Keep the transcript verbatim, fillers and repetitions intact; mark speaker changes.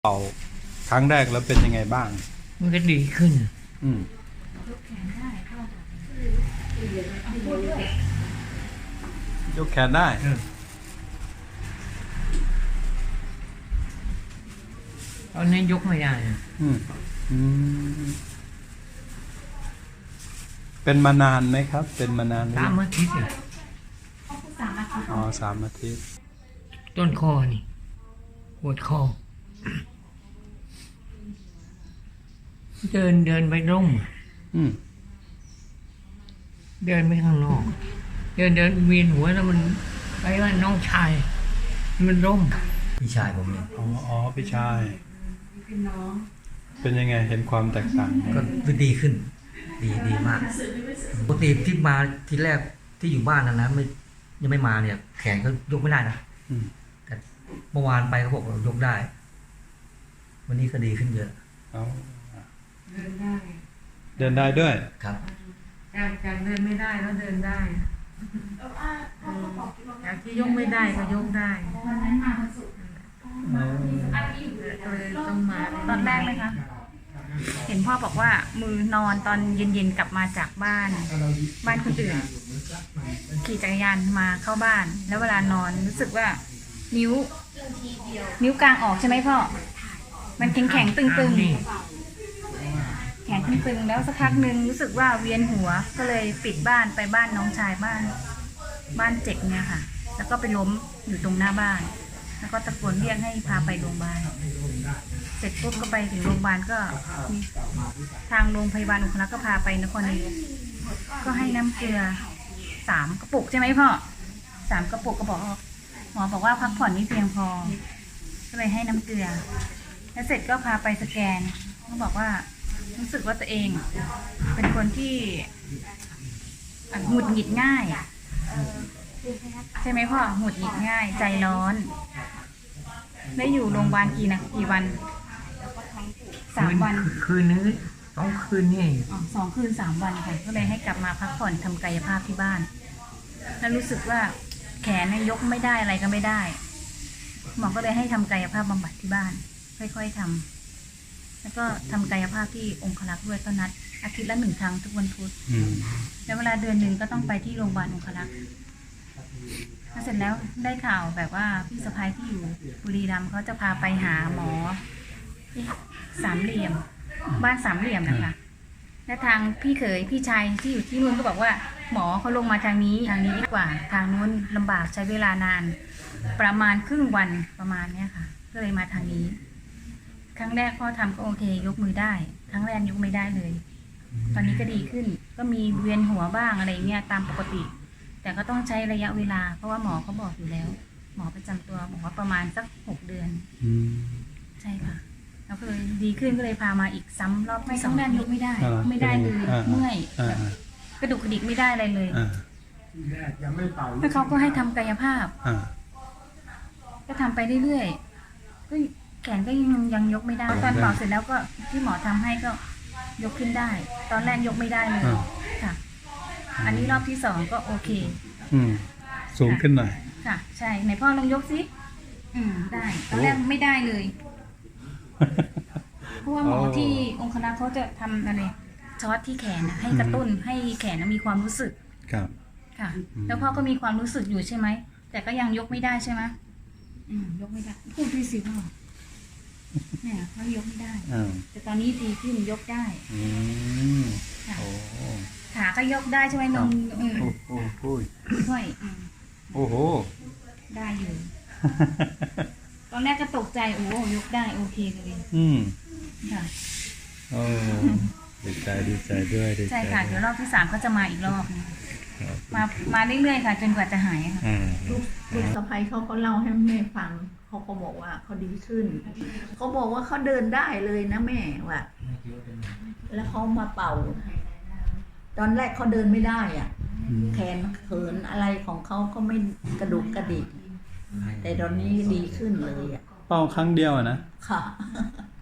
Speaker 1: เป่าครั้งแรกแล้วเป็นยังไงบ้าง
Speaker 2: มันก็ดีขึ้น
Speaker 1: อืมยกแขนได้
Speaker 2: ตอนนี้ยกไม่ได้
Speaker 1: อืมอืมเป็นมานานไหมครับ เป็นมานาน
Speaker 2: สามอาทิตย์
Speaker 1: อ๋อสามอาทิตย์
Speaker 2: ต้นคอนี่ปวดคอเดินเดินไปร่ม
Speaker 1: อืม
Speaker 2: เดินไปข้างนอกเดินเดินเวียนหัวแล้วมันไปว่าน้องชายมันร่ม
Speaker 3: พี่ชายผมเอง
Speaker 1: อ๋ออ๋อพี่ชายเป็นยังไงเห็นความแตกต่าง
Speaker 3: ก็ดีขึ้น ดีดีมากปกติที่มาที่แรกที่อยู่บ้านนะนะไม่ยังไม่มาเนี่ย แขนก็ยกไม่ได้นะแต่เมื่อวานไปเขาบอกยกได้ วันนี้ก็ดีขึ้นเยอะ
Speaker 4: เดินได้
Speaker 1: เดินได้ด้วย
Speaker 3: ครับ
Speaker 4: จากจากเดินไม่ได้แล้วเดินได้จากที่ยกไม่ได้ก็ยกได้เลยต้องมา
Speaker 5: ตอนแรกไหมคะเห็นพ่อบอกว่ามือนอนตอนเย็นๆกลับมาจากบ้านบ้านคนอื่นขี่จักรยานมาเข้าบ้านแล้วเวลานอนรู้สึกว่านิ้วนิ้วกลางออกใช่ไหมพ่อมันแข็งแข็งตึงตึงแข็งตึงๆแล้วสักพักหนึ่งรู้สึกว่าเวียนหัวก็เลยปิดบ้านไปบ้านน้องชายบ้านบ้านเจ็กเนี่ยค่ะแล้วก็ไปล้มอยู่ตรงหน้าบ้านแล้วก็ตะโกนเรียกให้พาไปโรงพยาบาลเสร็จปุ๊บก็ไปถึงโรงพยาบาลก็ทางโรงพยาบาลอุคลักษ์ก็พาไปนครนายกก็ให้น้ำเกลือสามกระปุกใช่ไหมพ่อสามกระปุกก็บอกหมอบอกว่าพักผ่อนไม่เพียงพอก็เลยให้น้ำเกลือแล้วเสร็จก็พาไปสแกนเขาบอกว่ารู้สึกว่าตัวเองเป็นคนที่หงุดหงิดง่ายใช่ไหมพ่อหงุดหงิดง่ายใจร้อนได้อยู่โรงพยาบาลกี่นะกี่วันสามวัน
Speaker 2: คืนนึงสองคืนนี่
Speaker 5: อ๋อสองคืนสามวันค่ะก็เลยให้กลับมาพักผ่อนทำกายภาพที่บ้านแล้วรู้สึกว่าแขนยกไม่ได้อะไรก็ไม่ได้หมอก็เลยให้ทำกายภาพบำบัดที่บ้านค่อยๆทำแล้วก็ทำกายภาพที่องครักษ์ด้วยก็นัดอาทิตย์ละหนึ่งครั้งทุกวันพุธแล้วเวลาเดือนหนึ่งก็ต้องไปที่โรงพยาบาลองครักษ์เสร็จแล้วได้ข่าวแบบว่าพี่สะพ้ายที่อยู่บุรีรัมย์เขาจะพาไปหาหมอสามเหลี่ยมบ้านสามเหลี่ยมนะคะและทางพี่เขยพี่ชายที่อยู่ที่นู่นก็บอกว่าหมอเขาลงมาทางนี้ทางนี้ดีกว่าทางนู้นลำบากใช้เวลานานประมาณครึ่งวันประมาณเนี้ยค่ะก็เลยมาทางนี้ครั้งแรกพ่อทำก็โอเคยกมือได้ครั้งแรกยกไม่ได้เลยตอนนี้ก็ดีขึ้นก็มีเวียนหัวบ้างอะไรเงี้ยตามปกติแต่ก็ต้องใช้ระยะเวลาเพราะว่าหมอเขาบอกอยู่แล้วหมอประจำตัวบอกว่าประมาณสักหกเดือนใช่ค่ะแล้วก็เลยดีขึ้นก็เลยพามาอีกซ้ำรอบที่สองแรกยกไม่ได้ไม่ได้เลยเมื่อยกระดูกกระดิกไม่ได้อะไรเลยแล้วเขาก็ให้ทำกายภาพก็ทำไปเรื่อยๆก็แขนก็ยังยังยกไม่ได้ตอนเป่าเสร็จแล้วก็ที่หมอทำให้ก็ยกขึ้นได้ตอนแรกยกไม่ได้เลยค่ะอันนี้รอบที่สองก็โอเค
Speaker 1: อืมสูงขึ้นหน่อย
Speaker 5: ค่ะใช่ไหนพ่อลองยกสิอืมได้ตอนแรกไม่ได้เลยเพราะว่าหมอที่องครักษ์เขาจะทำอะไรช็อตที่แขนให้กระตุ้นให้แขนมีความรู้สึก
Speaker 1: ครับ
Speaker 5: ค่ะแล้วพ่อก็มีความรู้สึกอยู่ใช่ไหมแต่ก็ยังยกไม่ได้ใช่ไหมอืมยกไม่ได้พูดดีสิพ่อเนี่ยเขายกไม่ได้แต่ตอนนี้ดีขึ้นยกได้ค่ะขาก็ยกได้ใช่ไหมนม
Speaker 1: โอ้โห
Speaker 5: ค่อย
Speaker 1: โอ้โห
Speaker 5: ได้อยู่ตอนแรกก็ตกใจโอ้ยกได้โอเคเลย
Speaker 1: อืม
Speaker 5: ค่ะ
Speaker 1: โอ้ดีใจดีใจด้วยดีใจ
Speaker 5: ใช่ค่ะเดี๋ยวรอบที่สามก็จะมาอีกรอบมามาเรื่อยๆค่ะจนกว่าจะหายค่ะ
Speaker 4: ลูกลูกสะใภ้เขาก็เล่าให้แม่ฟังเขาก็บอกว่าเขาดีขึ้นเขาบอกว่าเขาเดินได้เลยนะแม่ว่ะแล้วเขามาเป่าตอนแรกเขาเดินไม่ได้อ่ะแขนเขินอะไรของเขาก็ไม่กระดุกกระดิกแต่ตอนนี้ดีขึ้นเลยอ่ะ
Speaker 1: เป่าครั้งเดียวนะ
Speaker 4: ค่ะ